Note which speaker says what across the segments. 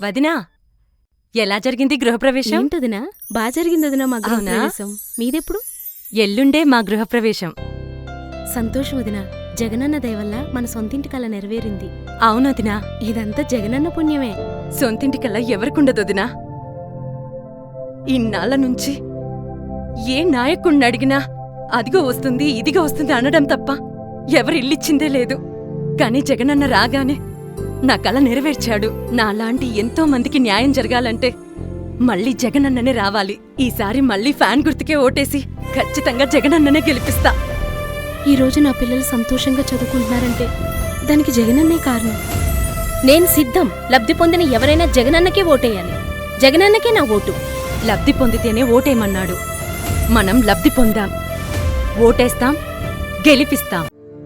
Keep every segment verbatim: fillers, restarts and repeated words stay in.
Speaker 1: వదినా, ఎలా జరిగింది గృహప్రవేశం?
Speaker 2: ఏంటదినా? బాగా జరిగింది వదినా మా
Speaker 1: అవునా?
Speaker 2: గృహప్రవేశం. మీదెప్పుడు?
Speaker 1: ఎల్లుండే మా గృహప్రవేశం.
Speaker 2: సంతోషం వదినా. జగనన్న దయ వల్ల మన సొంతింటి కల నెరవేరింది.
Speaker 1: అవునొదినా,
Speaker 2: ఇదంతా జగనన్న పుణ్యమే.
Speaker 1: సొంతింటికల్లా ఎవరికుండదొదినా? ఇన్నాళ్ల నుంచి ఏ నాయకుణ్ణి అడిగినా అదిగో వస్తుంది ఇదిగో వస్తుంది అనడం తప్ప ఎవరిల్లిచ్చిందే లేదు. కాని జగనన్న రాగానే నా కల నెరవేర్చాడు. నాలాంటి ఎంతో మందికి న్యాయం జరగాలంటే మళ్ళీ జగనన్ననే రావాలి. ఈసారి మళ్ళీ ఫ్యాన్ గుర్తుకే ఓటేసి ఖచ్చితంగా జగనన్ననే గెలిపిస్తా.
Speaker 2: ఈ రోజు నా పిల్లలు సంతోషంగా చదువుకుంటున్నారంటే దానికి జగనన్నే కారణం. నేను సిద్ధం. లబ్ధి పొందిన ఎవరైనా జగనన్నకే ఓటేయాలి. జగనన్నకే నా ఓటు.
Speaker 1: లబ్ధి పొందితేనే ఓటేయమన్నాడు. మనం లబ్ధి పొందాం, ఓటేస్తాం, గెలిపిస్తాం.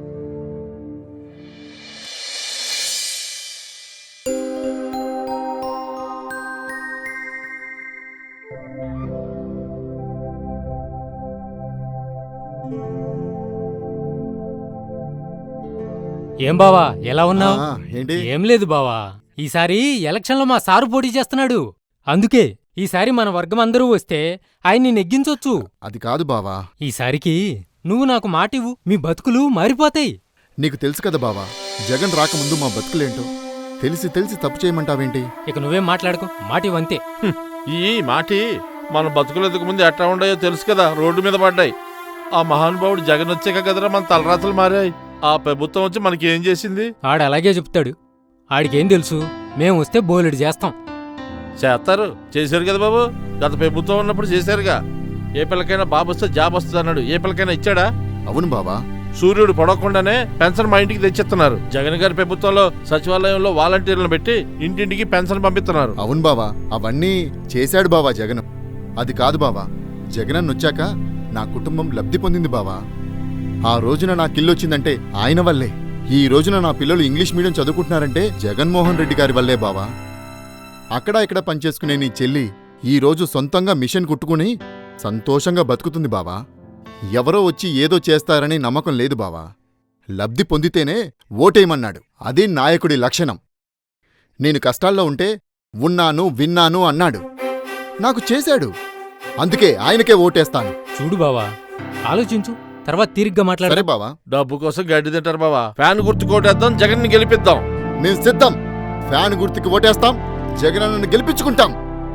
Speaker 3: ఏం బావా, ఎలా ఉన్నావు?
Speaker 4: ఆ, ఏంటి?
Speaker 3: ఏం లేదు బావా, ఈసారి ఎలక్షన్లో మా సారు పోటీ చేస్తున్నాడు. అందుకే ఈసారి మన వర్గం అందరూ వస్తే ఆయన్ని నెగ్గించొచ్చు.
Speaker 4: అది కాదు బావా.
Speaker 3: ఈసారికి నువ్వు నాకు మాటివ్వు, మీ బతుకులు మారిపోతాయి.
Speaker 4: నీకు తెలుసు కదా బావా, జగన్ రాకముందు మా బతుకులేంటో. తెలిసి తెలిసి తప్పు చేయమంటావేంటి?
Speaker 3: ఇక నువ్వేం మాట్లాడుకో, మాటివ్వంతే.
Speaker 5: ఈ మాటి మన బతుకులెందుకు ముందు ఎట్లా ఉన్నాయో తెలుసు కదా, రోడ్డు మీద పడ్డాయి. ఆ మహానుభావుడు జగన్ వచ్చాక కదరా మన తలరాతలు మారాయి. ఆ ప్రభుత్వం వచ్చి మనకి ఏం చేసింది?
Speaker 3: ఆడు అలాగే చెప్తాడు. ఆడికేం తెలుసు, మేం వస్తే బోలెడు చేస్తాం.
Speaker 5: చేస్తారు, చేశారు కదా బాబు. గత ప్రభుత్వం ఉన్నప్పుడు చేశారుగా. ఏ పిల్లకైనా బాబు వస్తే జాబ్ వస్తుంది అన్నాడు. ఏ పిల్లకైనా ఇచ్చాడా?
Speaker 4: అవును బావా.
Speaker 5: సూర్యుడు పడకుండానే పెన్షన్ మా ఇంటికి తెచ్చిస్తున్నారు. జగన్ గారి ప్రభుత్వంలో సచివాలయంలో వాలంటీర్లను పెట్టి ఇంటింటికి పెన్షన్ పంపిస్తున్నారు.
Speaker 4: అవును బావా, అవన్నీ చేశాడు బావా జగన్. అది కాదు బావా, జగనన్న వచ్చాక నా కుటుంబం లబ్ధి పొందింది బావా. ఆ రోజున నా కిల్లొచ్చిందంటే ఆయన వల్లే. ఈ రోజున నా పిల్లలు ఇంగ్లీష్ మీడియం చదువుకుంటున్నారంటే జగన్మోహన్ రెడ్డి గారి వల్లే బావా. అక్కడా ఇక్కడ పనిచేసుకునే నీ చెల్లి ఈ రోజు సొంతంగా మిషన్ కుట్టుకుని సంతోషంగా బతుకుతుంది బావా. ఎవరో వచ్చి ఏదో చేస్తారని నమ్మకం లేదు బావా. లబ్ధి పొందితేనే ఓటేయమన్నాడు. అది నాయకుడి లక్షణం. నేను కష్టాల్లో ఉంటే ఉన్నాను విన్నాను అన్నాడు. నాకు చేశాడు. అందుకే ఆయనకే ఓటేస్తాను.
Speaker 3: చూడు బావా, ఆలోచించు, తర్వాత తీరిగ్గా మాట్లాడు.
Speaker 4: సరే బావా.
Speaker 5: డబ్బు కోసం గడ్డి తింటారు బాబా. ఫ్యాన్ గుర్తు కోటేద్దాం, జగన్ ని గెలిపిద్దాం.
Speaker 4: మేము సిద్ధం. ఫ్యాన్ గుర్తుకి ఓటేస్తాం, జగనన్నను గెలిపించుకుంటాం.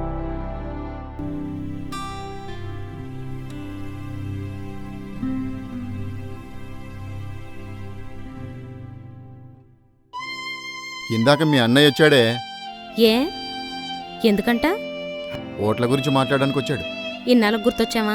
Speaker 4: ఇందాక మీ అన్నయ్య వచ్చాడే.
Speaker 2: ఏ ఎందుకంట?
Speaker 4: ఓట్ల గురించి మాట్లాడడానికి వచ్చాడు.
Speaker 2: ఇన్నాళ్ళకు గుర్తొచ్చావా?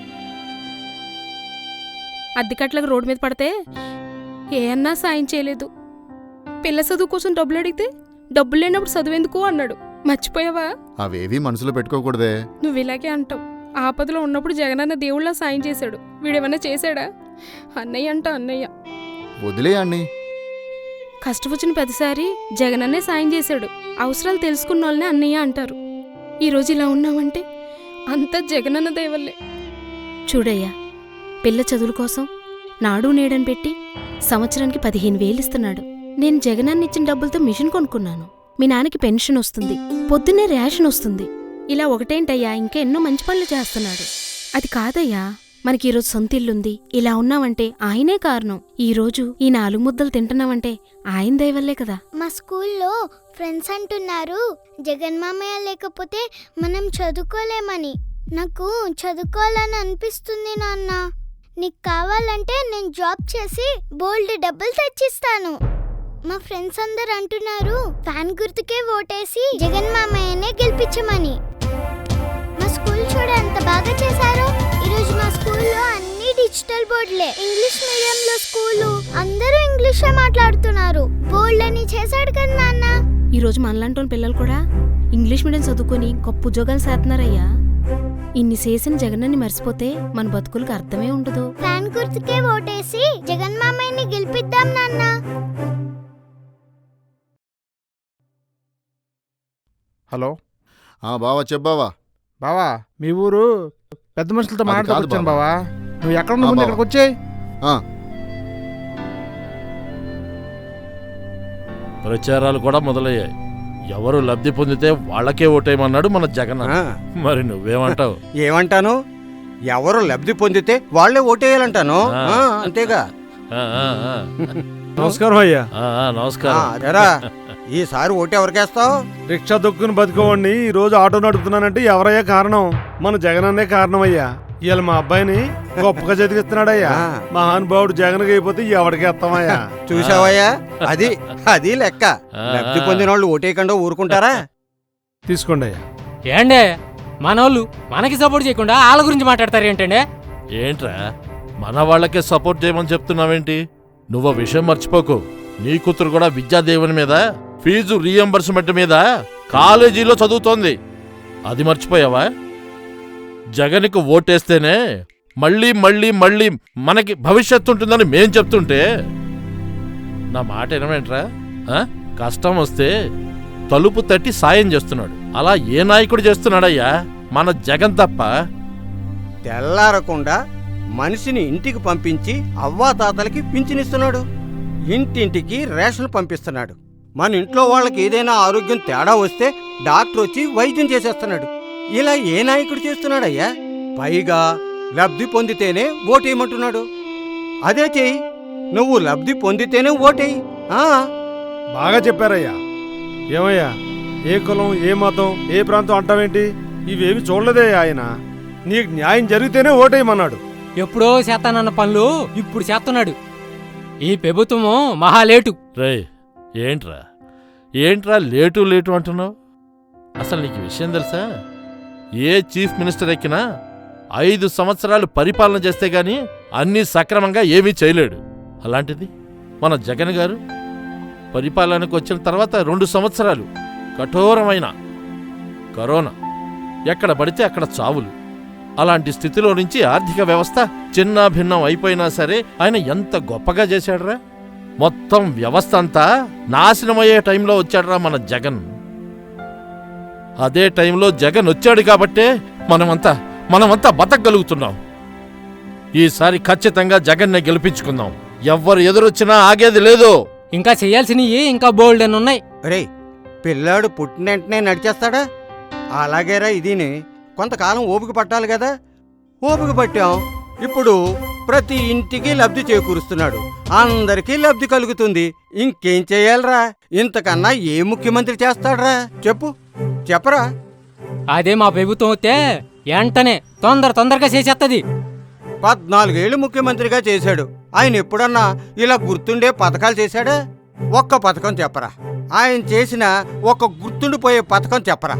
Speaker 2: అద్దెకట్లకు రోడ్డు మీద పడితే ఏ అన్నా సాయం చేయలేదు. పిల్ల చదువు కోసం డబ్బులు అడిగితే డబ్బులు లేనప్పుడు చదువెందుకు అన్నాడు. మర్చిపోయావా?
Speaker 4: అవేవీ మనసులో పెట్టుకోకూడదే.
Speaker 2: నువ్వు ఇలాగే అంటావు. ఆపదలో ఉన్నప్పుడు జగనన్న దేవుళ్ళ సాయం చేశాడు. వీడేమన్నా చేశాడా? అన్నయ్య అంట అన్నయ్య.
Speaker 4: వదిలే అన్నీ.
Speaker 2: కష్టం వచ్చిన ప్రతిసారి జగనన్నే సాయం చేశాడు. అవసరాలు తెలుసుకున్న వాళ్ళనే అన్నయ్య అంటారు. ఈరోజు ఇలా ఉన్నామంటే అంతా జగనన్న దయవల్లే. చూడయ్యా, పిల్ల చదువుల కోసం నాడు నేడని పెట్టి సంవత్సరానికి పదిహేను వేలు ఇస్తున్నాడు. నేను జగనన్న ఇచ్చిన డబ్బులతో మిషన్ కొనుక్కున్నాను. మీ నాన్నకి పెన్షన్ వస్తుంది, పొద్దున్నే రేషన్ వస్తుంది. ఇలా ఒకటేంటయ్యా, ఇంకా ఎన్నో మంచి పనులు చేస్తున్నాడు. అది కాదయ్యా, మనకి ఈరోజు సొంత ఇల్లుంది. ఇలా ఉన్నామంటే ఆయనే కారణం. ఈరోజు ఈ నాలుగు ముద్దలు తింటున్నామంటే ఆయన దయవల్లే కదా.
Speaker 6: మా స్కూల్లో ఫ్రెండ్స్ అంటున్నారు జగన్ మామయ్య లేకపోతే మనం చదువుకోలేమని. నాకు చదువుకోవాలని అనిపిస్తుంది నాన్న. నీకు కావాలంటే నేను జాబ్ చేసి బోల్డ్ డబ్బులు తెచ్చిస్తాను. మా ఫ్రెండ్స్ అందరు అంటున్నారు ఫ్యాన్ గుర్తుకే ఓటేసి జగన్ మామయ్యనే గెలిపించమని. మా స్కూల్ చూడ ఎంత బాగా చేశారో. ఈరోజు మా స్కూల్లో అన్ని డిజిటల్ బోర్డులే. ఇంగ్లీష్ మీడియంలో స్కూలు అందరూ ఇంగ్లీషే మాట్లాడుతున్నారు. బోల్డ్ అని చేశాడు కదా నాన్న.
Speaker 2: ఈరోజు మనలాంటి పిల్లలు కూడా ఇంగ్లీష్ మీడియం చదువుకొని గొప్ప ఉద్యోగాలు చేస్తున్నారయ్యా. ఇన్ని చేసిన జగనన్ని మర్చిపోతే మన బతుకులకు అర్థమే ఉండదు.
Speaker 6: ఫ్యాన్ గుర్తుకే ఓటేసి జగన్ మామయ్యని గెలిపిద్దాం నాన్న.
Speaker 7: హలో.
Speaker 4: ఆ బావా, చెప్పావా?
Speaker 7: బావా, మీ ఊరు పెద్ద మనుషులతో
Speaker 4: అది కాదు
Speaker 7: మాట్లాడుకొచ్చాను
Speaker 4: బావా.
Speaker 7: బావా. నువ్వు ఎక్కడ
Speaker 4: ఆ,
Speaker 7: ముందు
Speaker 4: బావా.
Speaker 7: ఇక్కడికి వచ్చాయి.
Speaker 4: ఆ,
Speaker 5: ప్రచారాలు కూడా మొదలయ్యాయి. ఎవరు లబ్ధి పొందితే వాళ్ళకే ఓటేయమన్నాడు మన జగన్ అన్న.
Speaker 8: ఆ,
Speaker 5: మరి నువ్వేమంటావు?
Speaker 8: ఏమంటాను? ఎవరు లబ్ధి పొందితే వాళ్లే ఓటేయాలంటాను.
Speaker 5: ఆ.
Speaker 8: ఆ, అంతేగా.
Speaker 5: ఆ, ఆ, ఆ.
Speaker 7: నమస్కారం అయ్యా.
Speaker 5: ఆ, ఆ,
Speaker 8: ఆ,
Speaker 5: నమస్కారం.
Speaker 8: అదేరా ఈసారి ఓటు ఎవరికేస్తావు?
Speaker 7: రిక్షా దొక్కుని బతుకోవండి ఈ రోజు ఆటో నడుపుతున్నానంటే ఎవరయ్యా కారణం? మన జగన్ అన్నే కారణం అయ్యా. ఇవాళ మా అబ్బాయిని గొప్పగా చదివిస్తున్నాడయ్యా.
Speaker 8: ఆ.
Speaker 7: మహానుభావుడు జగన్ అయిపోతే ఎవరికి ఎత్తామయ్యా?
Speaker 8: చూసావయ్యా, అది అది లెక్క.
Speaker 5: ఆ.
Speaker 8: లబ్ధి పొందిన వాళ్ళు ఓటేయకుండా ఊరుకుంటారా?
Speaker 7: తీసుకోండి అయ్యా.
Speaker 3: ఏండే మనోళ్ళు మనకి సపోర్ట్ చేయకుండా వాళ్ళ గురించి మాట్లాడతారు ఏంటండే?
Speaker 5: ఏంట్రా మన వాళ్ళకే సపోర్ట్ చేయమని చెప్తున్నావేంటి? నువ్వు విషయం మర్చిపోకు. నీ కూతురు కూడా విద్యాదేవుని మీద ఫీజు రీఎంబర్స్మెంట్ మీద కాలేజీలో చదువుతోంది. అది మర్చిపోయావా? జగన్కు ఓటేస్తేనే మళ్ళీ మళ్ళీ మళ్ళీ మనకి భవిష్యత్తు ఉంటుందని మేం చెప్తుంటే నా మాట వినవేంట్రా? ఆ? కష్టం వస్తే తలుపు తట్టి సాయం చేస్తున్నాడు. అలా ఏ నాయకుడు చేస్తున్నాడయ్యా? మన జగన్ తప్ప.
Speaker 8: తెల్లారకుండా మనిషిని ఇంటికి పంపించి అవ్వాతాతలకి పింఛనిస్తున్నాడు. ఇంటింటికి రేషన్ పంపిస్తున్నాడు. మన ఇంట్లో వాళ్ళకి ఏదైనా ఆరోగ్యం తేడా వస్తే డాక్టర్ వచ్చి వైద్యం చేసేస్తున్నాడు. ఇలా ఏ నాయకుడు చేస్తున్నాడయ్యా? పైగా లబ్ధి పొందితేనే ఓటేయమంటున్నాడు. అదే చెయ్యి, నువ్వు లబ్ధి పొందితేనే ఓటేయి. ఆ,
Speaker 7: బాగా చెప్పారయ్యా. ఏమయ్యా, ఏ కులం, ఏ మతం, ఏ ప్రాంతం అంటావేంటి? ఇవేమి చూడలేదే ఆయన. నీకు న్యాయం జరిగితేనే ఓటేయమన్నాడు.
Speaker 3: ఎప్పుడో చేస్తానన్న పనులు ఇప్పుడు చేస్తున్నాడు. ఈ ప్రభుత్వము మహాలేటు.
Speaker 5: రే ఏంట్రా ఏంట్రా లేటు లేటు అంటున్నావు? అసలు నీకు విషయం తెలుసా? ఏ చీఫ్ మినిస్టర్ ఎక్కినా ఐదు సంవత్సరాలు పరిపాలన చేస్తే గాని అన్నీ సక్రమంగా ఏమీ చేయలేడు. అలాంటిది మన జగన్ గారు పరిపాలనకు వచ్చిన తర్వాత రెండు సంవత్సరాలు కఠోరమైన కరోనా, ఎక్కడ పడితే అక్కడ చావులు. అలాంటి స్థితిలో నుంచి ఆర్థిక వ్యవస్థ చిన్న భిన్నం అయిపోయినా సరే ఆయన ఎంత గొప్పగా చేశాడ్రా. మొత్తం వ్యవస్థ అంతా నాశనమయ్యే టైంలో వచ్చాడ్రా మన జగన్. అదే టైంలో జగన్ వచ్చాడు కాబట్టే మనమంతా మనమంతా బతకగలుగుతున్నాం. ఈసారి ఖచ్చితంగా జగన్నే గెలిపించుకుందాం. ఎవ్వరు ఎదురొచ్చినా ఆగేది లేదు.
Speaker 3: ఇంకా చెయ్యాల్సినవి ఇంకా బోల్డ్ అని ఉన్నాయి.
Speaker 8: రే పిల్లాడు పుట్టిన వెంటనే నడిచేస్తాడా? అలాగేరా ఇదిని కొంతకాలం ఓపిక పట్టాలి కదా. ఓపిక పట్టాం. ఇప్పుడు ప్రతి ఇంటికి లబ్ధి చేకూరుస్తున్నాడు. అందరికీ లబ్ధి కలుగుతుంది. ఇంకేం చెయ్యాలరా? ఇంతకన్నా ఏ ముఖ్యమంత్రి చేస్తాడ్రా? చెప్పు, చెప్పరా.
Speaker 3: అదే మా ప్రభుత్వం వస్తే వెంటనే తొందర తొందరగా చేసేత్తది.
Speaker 8: పద్నాలుగేళ్లు ముఖ్యమంత్రిగా చేశాడు. ఆయన ఎప్పుడన్నా ఇలా గుర్తుండే పథకాలు చేశాడా? ఒక్క పథకం చెప్పరా. ఆయన చేసిన ఒక గుర్తుండిపోయే పథకం చెప్పరా.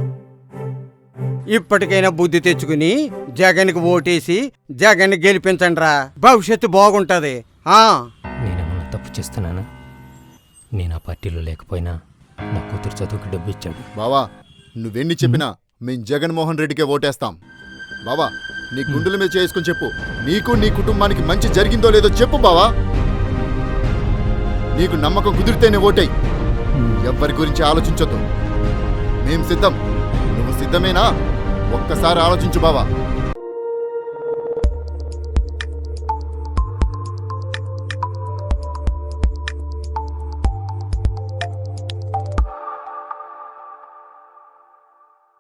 Speaker 8: ఇప్పటికైనా బుద్ధి తెచ్చుకుని జగన్కి ఓటేసి జగన్ గెలిపించండిరా. భవిష్యత్తు బాగుంటది. ఆ
Speaker 3: నేనేమన్నా తప్పు చేస్తున్నానా? నేను ఆ పార్టీలో లేకపోయినా నా కూతురు చదువుకి డబ్బు ఇచ్చాడు.
Speaker 4: బావా నువ్వెన్ని చెప్పినా మేం జగన్మోహన్ రెడ్డికే ఓటేస్తాం. బావా నీ గుండెల మీద చేసుకుని చెప్పు, నీకు నీ కుటుంబానికి మంచి జరిగిందో లేదో చెప్పు బావా. నీకు నమ్మకం కుదిరితేనే ఓటేయ్. ఎవ్వరి గురించి ఆలోచించొద్దు. మేం సిద్ధం. నువ్వు సిద్ధమేనా? ఒక్కసారి ఆలోచించు బావా.